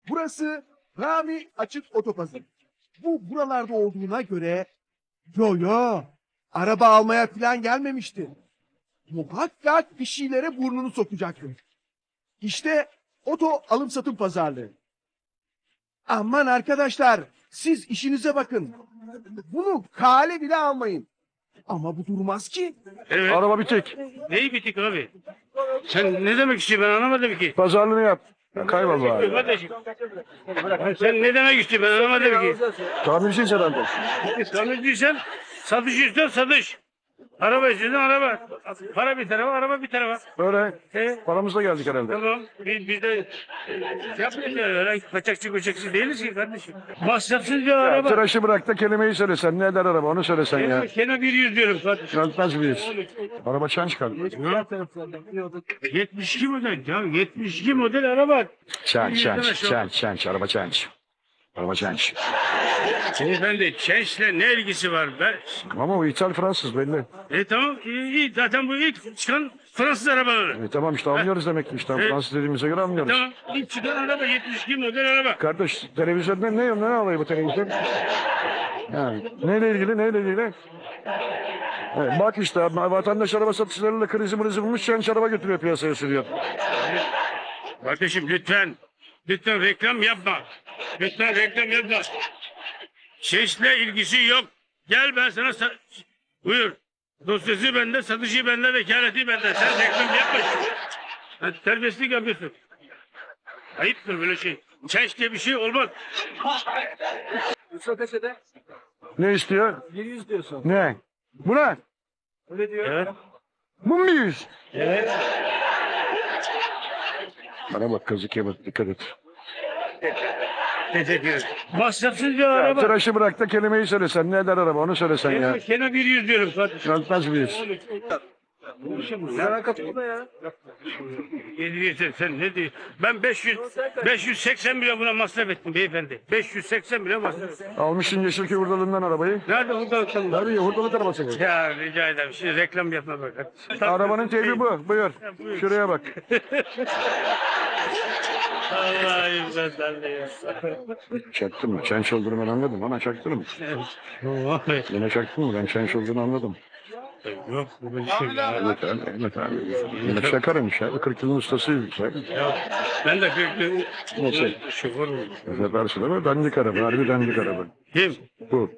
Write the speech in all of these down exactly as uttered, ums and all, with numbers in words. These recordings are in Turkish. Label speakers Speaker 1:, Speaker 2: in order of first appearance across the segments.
Speaker 1: Burası Rami Açık Otopazarı. Bu buralarda olduğuna göre yo yo araba almaya falan gelmemişti. Muhakkak bir şeylere burnunu sokacaktı. İşte oto alım satım pazarlığı. Aman arkadaşlar siz işinize bakın. Bunu kale bile almayın. Ama bu durmaz ki.
Speaker 2: Evet.
Speaker 3: Araba bitik.
Speaker 2: Neyi bitik abi? Sen ne demek istiyorsun ben anlamadım ki.
Speaker 3: Pazarlığını yap. Kaybol bari.
Speaker 2: Kardeşim. Sen ne demek istiyorsun ben anlamadım ki.
Speaker 3: Tamircisin herhalde.
Speaker 2: Tanıdıysan satış istiyorsan satış. Araba istiyorsan araba. Para bir tarafa, araba bir tarafa.
Speaker 3: Öyle.
Speaker 2: He?
Speaker 3: Paramızla geldik herhalde.
Speaker 2: Tamam. Biz, biz de şey yapmayız yani. Öyle kaçakçı kaçakçı değiliz ki kardeşim. Masrafsız bir araba.
Speaker 3: Tıraşı bırak da kelimeyi söylesen. Ne eder araba onu söylesen ya.
Speaker 2: Keno bir yüz diyorum kardeşim.
Speaker 3: Yönetmez miyiz? Araba çan çıkardı.
Speaker 2: yetmiş iki model ya. yetmiş iki model araba.
Speaker 3: Çan
Speaker 2: Bir
Speaker 3: çan
Speaker 2: yüzden aşağı-
Speaker 3: çan çan çan. Araba çan. Araba çan.
Speaker 2: Beyefendi Çenç'le ne ilgisi var? Ben...
Speaker 3: Ama o İthal Fransız belli.
Speaker 2: E tamam iyi, iyi. Zaten bu ilk çıkan Fransız arabaları.
Speaker 3: E, tamam işte anlıyoruz demek ki işte.
Speaker 2: Evet.
Speaker 3: Fransız dediğimize göre anlıyoruz.
Speaker 2: Tamam ilk çıkan araba yetmiş iki model araba.
Speaker 3: Kardeş televizyonda ne ne alıyor bu televizyon? Yani neyle ilgili neyle ilgili? Evet, bak işte vatandaş araba satışlarıyla krizi mrizi bulmuş çenç araba götürüyor piyasaya sürüyor.
Speaker 2: Kardeşim lütfen. Lütfen reklam yapma. Lütfen reklam yapma. Çenç'le ilgisi yok. Gel ben sana sa- buyur. Dosyası bende, satışı bende, vekaleti bende. Sen reklam yapma. Sen terbiyesizlik yapıyorsun. Ayıptır böyle şey. Çenç diye bir şey olmaz.
Speaker 3: Ne istiyor?
Speaker 1: yüz diyorsun.
Speaker 3: Ne? Bu ne?
Speaker 1: Öyle diyor.
Speaker 2: Evet.
Speaker 3: Bu mu yüz?
Speaker 2: Evet.
Speaker 3: Bana bak kazık yeme dikkat et.
Speaker 2: Teşekkür ederim. Masrafsız bir
Speaker 3: Ya,
Speaker 2: araba.
Speaker 3: tıraşı bırak da kelimeyi söylesen. Ne eder araba onu söylesen ya.
Speaker 2: Keno, Keno bir yüz diyorum kardeşim.
Speaker 3: Yönetmez miyiz?
Speaker 1: Sana kapıda ya.
Speaker 2: yedi yüz sen ne diyorsun? Ben beş yüz beş yüz seksen milyon buna masraf ettim beyefendi. beş yüz seksen milyon masraf ettim.
Speaker 3: Almışsın Yeşilköy hurdalığından arabayı.
Speaker 2: Nerede burada bakalım?
Speaker 3: Tabii hurdalık arabası bu.
Speaker 2: Ya rica ederim. Şimdi reklam yapma bak.
Speaker 3: Arabanın teybi bu. Buyur. Şuraya bak.
Speaker 2: Allah'ım ben sen de ya.
Speaker 3: Çaktın mı? Çenç olduğunu ben anladım ama çaktın mı? Yine çaktın mı? Ben çenç olduğunu anladım.
Speaker 2: Yok bu böyle şey ya.
Speaker 3: Evet abi, evet abi. Yine çakarmış ya. kırk yılın ustasıymış ya.
Speaker 2: Ya, ben de kırklı
Speaker 3: Nasıl?
Speaker 2: şoför muyum?
Speaker 3: Yaparsın ama dandik araba. Harbi dandik araba.
Speaker 2: Kim?
Speaker 3: Bu.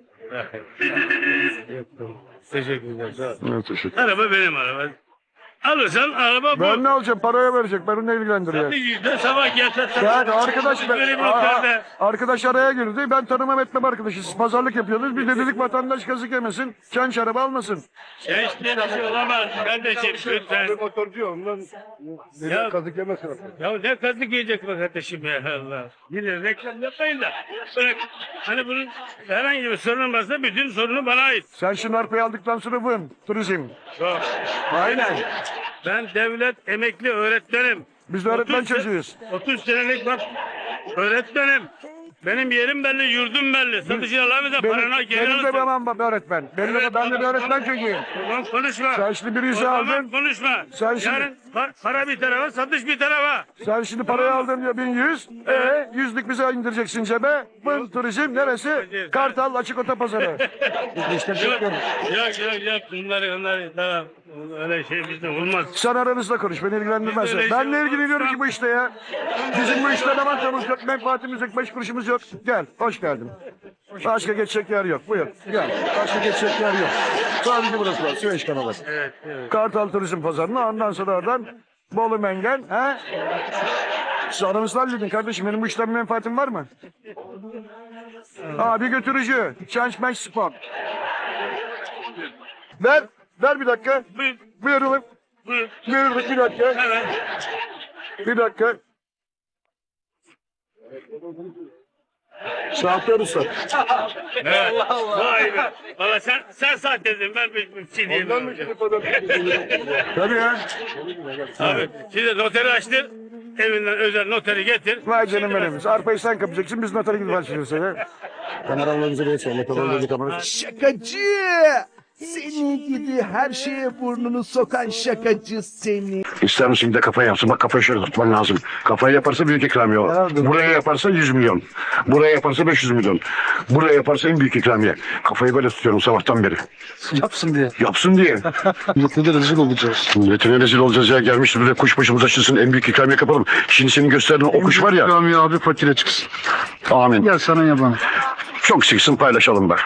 Speaker 2: Teşekkürler. Sağ ol.
Speaker 3: Evet, teşekkür.
Speaker 2: Araba benim araba. Alırsan araba bu.
Speaker 3: Ben ne alacağım? Paraya verecek. Beni ne ilgilendiriyor?
Speaker 2: Satıcıda sabah gelse
Speaker 3: Yani arkadaş, ben,
Speaker 2: böyle bir
Speaker 3: Aa,
Speaker 2: noktada.
Speaker 3: arkadaş araya girdi. Ben tanımam etmem arkadaşı. Siz pazarlık yapıyordunuz. Biz de dedik vatandaş kazık yemesin. Çenç araba almasın.
Speaker 2: Gençliğe bir şey olamaz kardeşim lütfen.
Speaker 3: Motorcu ondan
Speaker 2: Ya-
Speaker 3: kazık yemesin.
Speaker 2: Ya ne kazık yiyecek be kardeşim ya Allah. Yine reklam yapmayın da. Bırak. Hani bunun herhangi bir sorun varsa bütün sorunu bana ait.
Speaker 3: Sen şu narpayı aldıktan sonra vın. Turizm.
Speaker 2: Yok.
Speaker 3: Aynen.
Speaker 2: Ben devlet emekli öğretmenim.
Speaker 3: Biz de öğretmen
Speaker 2: otuz se-
Speaker 3: çocuğuyuz.
Speaker 2: otuz senelik bak öğretmenim. Benim yerim belli, yurdum belli. Satıcı alamıyorsa
Speaker 3: Benim,
Speaker 2: parana geri
Speaker 3: benim de
Speaker 2: alırsın.
Speaker 3: babam baba öğretmen. Benim de,
Speaker 2: Evet,
Speaker 3: ben de bir
Speaker 2: tamam,
Speaker 3: öğretmen
Speaker 2: tamam.
Speaker 3: çocuğuyum.
Speaker 2: Tamam konuşma.
Speaker 3: Sen şimdi bir yüzü
Speaker 2: O zaman
Speaker 3: aldın.
Speaker 2: konuşma.
Speaker 3: Sen şimdi-
Speaker 2: Yarın pa- para bir tarafa, satış bir tarafa.
Speaker 3: Sen şimdi parayı aldın diyor bin yüz. E yüzlük bize indireceksin cebe. Vın turizm neresi? Kartal açık otopazarı. İşte
Speaker 2: Yok,
Speaker 3: bekliyorum.
Speaker 2: yok, yok, yok. Bunları, onları, tamam. Öyle şey bizde olmaz.
Speaker 3: Sen aranızda konuş, beni ilgilendirmez.
Speaker 2: Biz öyle
Speaker 3: Ben ne
Speaker 2: şey
Speaker 3: ilgileniyorum
Speaker 2: olmaz.
Speaker 3: ki bu işte ya? Bizim bu işte ne mantamız yok, menfaatimiz yok, beş kuruşumuz yok. Gel, hoş geldin. Başka geçecek yer yok, buyur. Gel, başka geçecek yer yok. Sadece burası var, Süveyş kanalı.
Speaker 2: Evet, evet.
Speaker 3: Kartal Turizm Pazarı'na, ondan sonra oradan Bolu Mengen, he? Siz aranızda halledin kardeşim, benim bu işten bir menfaatim var mı? Abi götürücü, Change Match Spot. Ver, ver bir dakika.
Speaker 2: Buyur,
Speaker 3: Buyurun.
Speaker 2: buyur.
Speaker 3: Buyurun bir dakika.
Speaker 2: Hemen.
Speaker 3: Bir dakika. Şahtar Usta.
Speaker 2: Evet. Vay be. Valla sen, sen sahtesin. Ben bir, bir şey diyemem.
Speaker 3: Tabii ya.
Speaker 2: Abi, şimdi noteri açtır. Evinden özel noteri getir.
Speaker 3: Vay canım benim. Arpayı sen kapacaksın, biz notere gidip açacağız ya. Kameralarımızı da geçelim. Kameralarımızı kamerayı.
Speaker 1: Şakacı. Seni gidi her şeye burnunu sokan şakacı seni.
Speaker 3: İster misin bir de kafayı yapsın? Bak kafayı şöyle tutman lazım. Kafayı yaparsa büyük ikramiye o. Buraya yaparsa yüz milyon. Buraya yaparsa beş yüz milyon. Buraya yaparsa en büyük ikramiye. Kafayı böyle tutuyorum sabahtan beri.
Speaker 4: Yapsın diye.
Speaker 3: Yapsın diye.
Speaker 4: Millete rezil olacağız.
Speaker 3: Milletine rezil olacağız ya. Gelmiş buraya kuş başımıza açılsın. En büyük ikramiye kapalım. Şimdi senin gösterdiğin o kuş var ya.
Speaker 4: Rami abi fakire çıksın.
Speaker 3: Amin.
Speaker 4: Gel sana yaban.
Speaker 3: Çok çıksın paylaşalım da.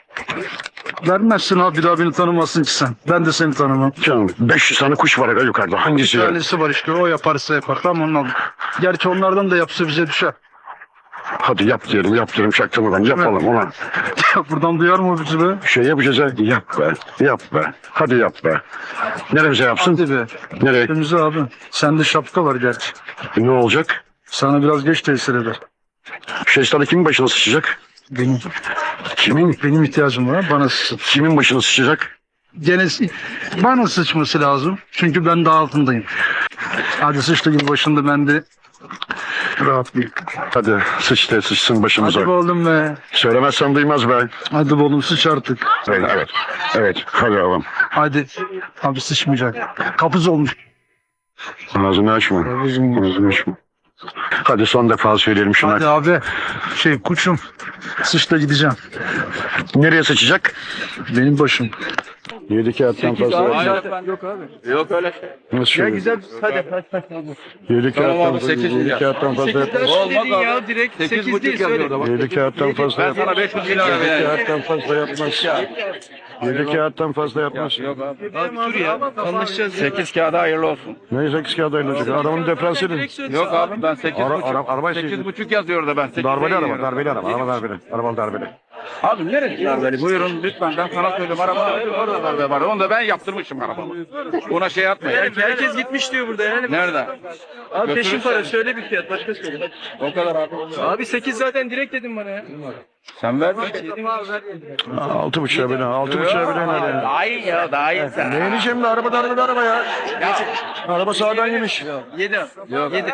Speaker 4: Vermezsin abi bir daha beni tanımazsın ki sen. Ben de seni tanımam.
Speaker 3: Canım beş yüz tane kuş var ya yukarıda. Hangisi
Speaker 4: Bir
Speaker 3: ya?
Speaker 4: tanesi var işte o yaparsa yapar. Tamam onu al. Gerçi onlardan da yapsa bize düşer.
Speaker 3: Hadi yap diyelim yap diyelim çaktırmadan yapalım ulan.
Speaker 4: Buradan duyar mı bizi be?
Speaker 3: Şey yapacağız ha. Yap be. Yap be. Hadi yap be. Neremize yapsın?
Speaker 4: Hadi be.
Speaker 3: Nereye?
Speaker 4: Önümüze abi. Sende şapka var gerçi.
Speaker 3: Ne olacak?
Speaker 4: Sana biraz geç tesir eder.
Speaker 3: Şeytanı kimin başına sıçacak?
Speaker 4: Benim.
Speaker 3: Kimin?
Speaker 4: Benim ihtiyacım var. Bana sıçsın.
Speaker 3: Kimin başına sıçacak?
Speaker 4: Gene s- bana sıçması lazım. Çünkü ben daha altındayım. Hadi sıçtı gibi başında ben de rahatlayayım.
Speaker 3: Hadi sıç de sıçsın başımıza.
Speaker 4: Hadi be oğlum be.
Speaker 3: Söylemezsen duymaz be.
Speaker 4: Hadi be oğlum sıç artık.
Speaker 3: Evet, evet. Evet. Hadi oğlum.
Speaker 4: Hadi. Abi sıçmayacak. Kapız olmuş.
Speaker 3: Ağzını açma. Ağzını açma. Hadi son defa söyleyelim şuna.
Speaker 4: Hadi abi. Şey kuçum. Sıçta gideceğim.
Speaker 3: Nereye sıçacak?
Speaker 4: Benim başım.
Speaker 3: Yedi kağıttan fazla.
Speaker 2: Yok abi. Yok öyle şey.
Speaker 3: Nasıl ya
Speaker 1: Güzel hadi hadi.
Speaker 3: Yedi kağıttan
Speaker 2: abi,
Speaker 3: fazla.
Speaker 2: sekiz
Speaker 3: Yedi
Speaker 2: milyar.
Speaker 3: kağıttan fazla yapmaz.
Speaker 2: Olmaz abi.
Speaker 1: direkt
Speaker 2: sekiz buçuk yazıyor da bak.
Speaker 3: Yedi kağıttan fazla
Speaker 2: Ben
Speaker 3: yapmaz.
Speaker 2: sana beş yüz lira
Speaker 3: Yedi
Speaker 2: vereyim.
Speaker 3: kağıttan fazla yapmaz. Yedi kağıttan fazla yapmaz.
Speaker 2: Yok abi.
Speaker 1: Abi dur ya. Anlaşacağız.
Speaker 2: sekiz kağıda hayırlı olsun.
Speaker 3: Ne sekiz kağıt ayrılacak? Arabanın diferansiyeli.
Speaker 2: Yok abi ben sekiz
Speaker 3: Ara,
Speaker 2: buçuk.
Speaker 3: ara, araba
Speaker 2: sekiz buçuk yazıyor da ben. sekiz
Speaker 3: Darbeli araba,
Speaker 2: veriyorum.
Speaker 3: darbeli araba, araba darbeli. Araba darbeli.
Speaker 2: Abi neresi darbeli? Buyurun lütfen ben sana söyleyeyim. Araba orada darbe var. Onu da ben yaptırmışım arabamı. Ona şey atmayın.
Speaker 1: Herkes gitmiş diyor burada yani.
Speaker 2: Nerede?
Speaker 1: Abi peşin
Speaker 2: Götürürsen.
Speaker 1: para söyle bir fiyat başka söyle.
Speaker 2: O kadar abi.
Speaker 1: Abi sekiz zaten direkt dedim bana ya.
Speaker 2: Sen ver.
Speaker 1: Dedim abi ver.
Speaker 3: Altı buçuğa bine, altı buçuğa bine ne ya?
Speaker 2: Daha iyi ya daha iyi sen.
Speaker 3: Ne ineceğim de araba darbeli araba ya. Araba sağdan yemiş.
Speaker 1: Yedi.
Speaker 2: Yok.
Speaker 1: Yedi.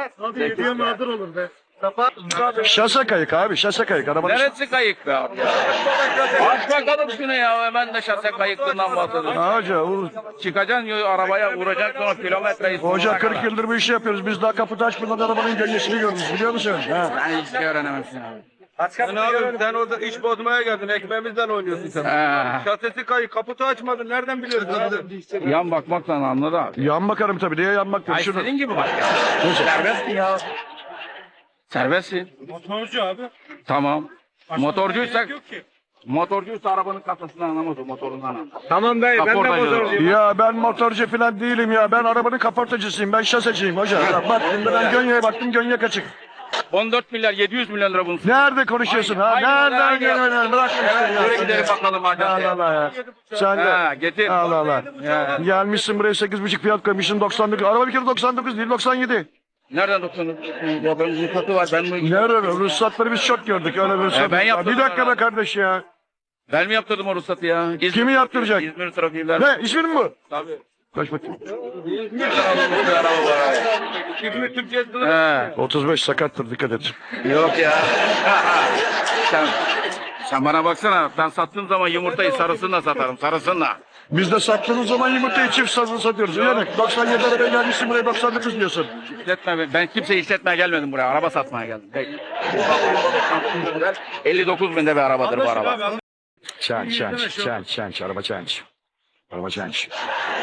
Speaker 3: Şase kayık abi, şase kayık. Arabanın
Speaker 2: Neresi kayık be abi? Aç bakalım şunu ya. Ben de şase kayıklığından bahsediyorum.
Speaker 3: Hoca, u-
Speaker 2: Çıkacaksın yo- arabaya vuracaksın sonra kilometreyi
Speaker 3: hoca
Speaker 2: sonuna
Speaker 3: kırk
Speaker 2: kadar.
Speaker 3: yıldır bu işi yapıyoruz. Biz daha kapıda açmadan arabanın gölgesini görürüz. Biliyor musun? Ha.
Speaker 2: Ben hiç şey öğrenemezsin abi.
Speaker 5: Sen abi sen orada iş bozmaya geldin. Ekmeğimizden oynuyorsun sen.
Speaker 2: He.
Speaker 5: Şasesi kayık, kaputu açmadın. Nereden biliyorsun abi?
Speaker 2: Yan bakmakla anladı abi.
Speaker 3: Yan bakarım tabii. Diye yan bak.
Speaker 2: Ay
Speaker 3: Şunu.
Speaker 2: senin gibi bak ya. Serbestsin ya. Serbestsin.
Speaker 5: Motorcu abi.
Speaker 2: Tamam. Motorcuysak motorcuysa arabanın kasasını anlamaz o motorundan anlamaz.
Speaker 5: Tamam dayı ben de
Speaker 2: Kaportacı.
Speaker 5: motorcuyum.
Speaker 3: Ya ben motorcu falan değilim ya. Ben arabanın kaportacısıyım. Ben şaseciyim hoca. Ya bak şimdi ben Gönye'ye baktım. Gönye kaçık.
Speaker 2: on dört milyar yedi yüz milyon lira bunun.
Speaker 3: Nerede konuşuyorsun ha?
Speaker 2: Aynı, aynı,
Speaker 3: Nereden
Speaker 2: aynı.
Speaker 3: geliyorsun? Bırak
Speaker 2: Evet,
Speaker 3: ya.
Speaker 2: şuraya gidelim bakalım hadi.
Speaker 3: Allah Allah ya. Sen
Speaker 2: Ha,
Speaker 3: de.
Speaker 2: getir.
Speaker 3: Allah Allah.
Speaker 2: Ya.
Speaker 3: Gelmişsin buraya sekiz buçuk fiyat koymuşsun doksan dokuz. Araba bir kere doksan dokuz değil doksan yedi.
Speaker 2: Nereden doksanız? Ya benim ruhsatı var. Ben mi,
Speaker 3: Nerede? Ruhsatları biz çok gördük. Öyle ruhsat.
Speaker 2: E, ben yaptım
Speaker 3: Bir dakika
Speaker 2: sana.
Speaker 3: be kardeş ya.
Speaker 2: ben mi yaptırdım o ruhsatı ya? İzmir,
Speaker 3: Kimi yaptıracak?
Speaker 2: İzmir trafiğiler.
Speaker 3: Ne? İsmin mi bu?
Speaker 2: Tabii.
Speaker 3: Kaç bakayım.
Speaker 2: Bir araba var.
Speaker 5: İzmir Türkiye'de
Speaker 2: He.
Speaker 3: otuz beş sakattır dikkat et.
Speaker 2: Yok ya. sen, sen bana baksana. Ben sattığım zaman yumurtayı sarısınla satarım. Sarısınla.
Speaker 3: Biz de sattığımız zaman yumurtayı çift sazını satıyoruz. Uyanık. doksan yedi arabaya gelmişsin buraya doksan dokuz diyorsun.
Speaker 2: İşletme, ben, ben kimseyi işletmeye gelmedim buraya. Araba satmaya geldim. Değil. elli dokuz binde bir arabadır bu araba.
Speaker 3: Çenç, çenç, çenç, çenç. Araba çenç. Araba çenç.